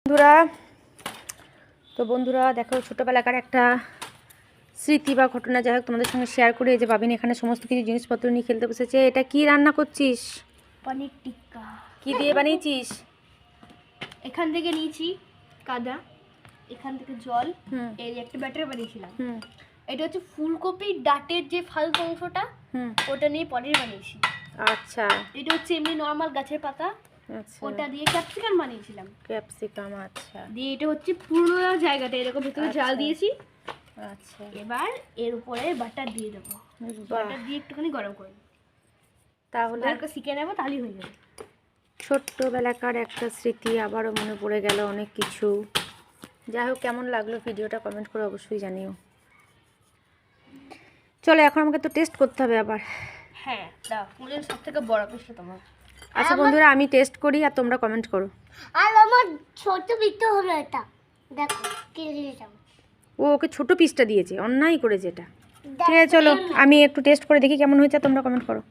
বন্ধুরা দেখো ছোটোবেলাকার একটা স্মৃতি বা ঘটনা যাই হোক তোমাদের সঙ্গে শেয়ার করে। এই যে বাবিন এখানে সমস্ত কিছু জিনিসপত্র নিয়ে খেলতে বসেছে। এটা কি রান্না করছিস? পনির টিক্কা। কি দিয়ে বানিয়েছিস? এখান থেকে নিয়েছি কাদা, এখান থেকে জল, এই একটা ব্যাটার বানিয়েছিলাম। এটা হচ্ছে ফুলকপির ডাটের যে ফালতু অংশটা, ওটা নিয়ে পনির বানিয়েছি। আচ্ছা। এটা হচ্ছে এমনি নর্মাল গাছের পাতা, আচ্ছা, ওটা দিয়ে ক্যাপসিকাম বানিয়েছিলাম। ক্যাপসিকাম, আচ্ছা। দিয়ে এটা হচ্ছে পুরো জায়গাটা এরকম ভেতরে জাল দিয়েছি। আচ্ছা, এবার এর উপরে বাটার দিয়ে দেবো। বাটার দিয়ে একটুখানি গরম করে তাহলে হালকা শিখে নেবো, তাহলেই হয়ে যাবে। ছোট্টবেলাকার একটা স্মৃতি আবারও মনে পড়ে গেল অনেক কিছু। যাই হোক, কেমন লাগলো ভিডিওটা কমেন্ট করে অবশ্যই জানিও। চলো এখন আমাকে তো টেস্ট করতে হবে আবার। হ্যাঁ, দাও, ফুলের সব থেকে বড় পিসটা তোমার। আচ্ছা বন্ধুরা, আমি টেস্ট করি আর তোমরা কমেন্ট করো। আর আমার ছোট পিসটা হলো এটা, দেখো কি দিয়েছে। ও ওকে ছোট পিসটা দিয়েছে, অন্যায় করেছে এটা। ঠিক আছে চলো, আমি একটু টেস্ট করে দেখি কেমন হয়েছে, তোমরা কমেন্ট করো।